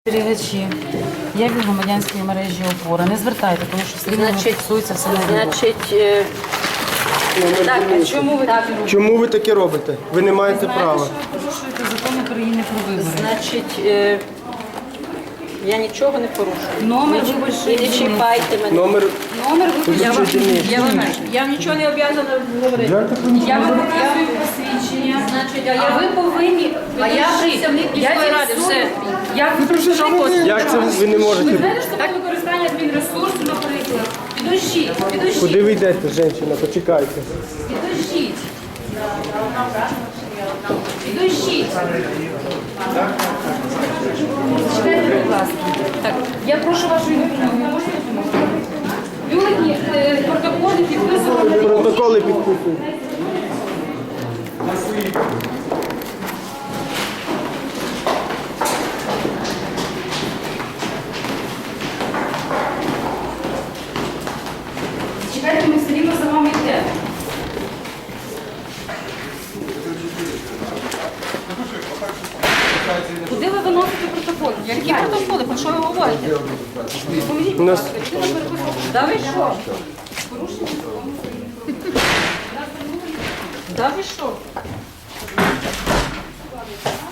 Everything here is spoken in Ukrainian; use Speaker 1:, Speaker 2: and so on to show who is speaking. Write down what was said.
Speaker 1: Спостерігачі, я від громадянської мережі «Опора». Не звертайте, тому що все рівно фіксується все на відео.
Speaker 2: Так, чому ви так робите?
Speaker 3: Чому ви таке робите? Ви не маєте
Speaker 1: Знаєте,
Speaker 3: права.
Speaker 1: що ви порушуєте закон України про вибори?
Speaker 2: Значить, я нічого не порушую.
Speaker 1: Номер
Speaker 2: І
Speaker 1: виборчої
Speaker 2: не
Speaker 1: дільниці.
Speaker 2: чіпайте мене.
Speaker 3: Номер
Speaker 1: Номер виборчої дільниці.
Speaker 2: Я вам нічого не обов'язана говорити.
Speaker 1: Я вам показую посвідчення.
Speaker 2: Значить, ви повинні, а я представник міської ради, все.
Speaker 3: як це ви не можете?
Speaker 1: Знаєте, що таке використання адмінресурсу, наприклад? Підождіть,
Speaker 3: Куди ви йдете, жінка? Почекайте.
Speaker 1: підождіть. Підождіть. Чекайте, будь ласка. Так, я прошу вашої допомоги. Ви можете допомогти? Бюлетні, протоколи підписувати.
Speaker 3: Протоколи підписують.
Speaker 1: Чекайте, ми все рівно за вами йдемо. Куди ви виносите протокол? Які протоколи? Про що ви говорите? Допоможіть, будь ласка. Людина переписує. Да ви що? Порушення закону України. Да ви що?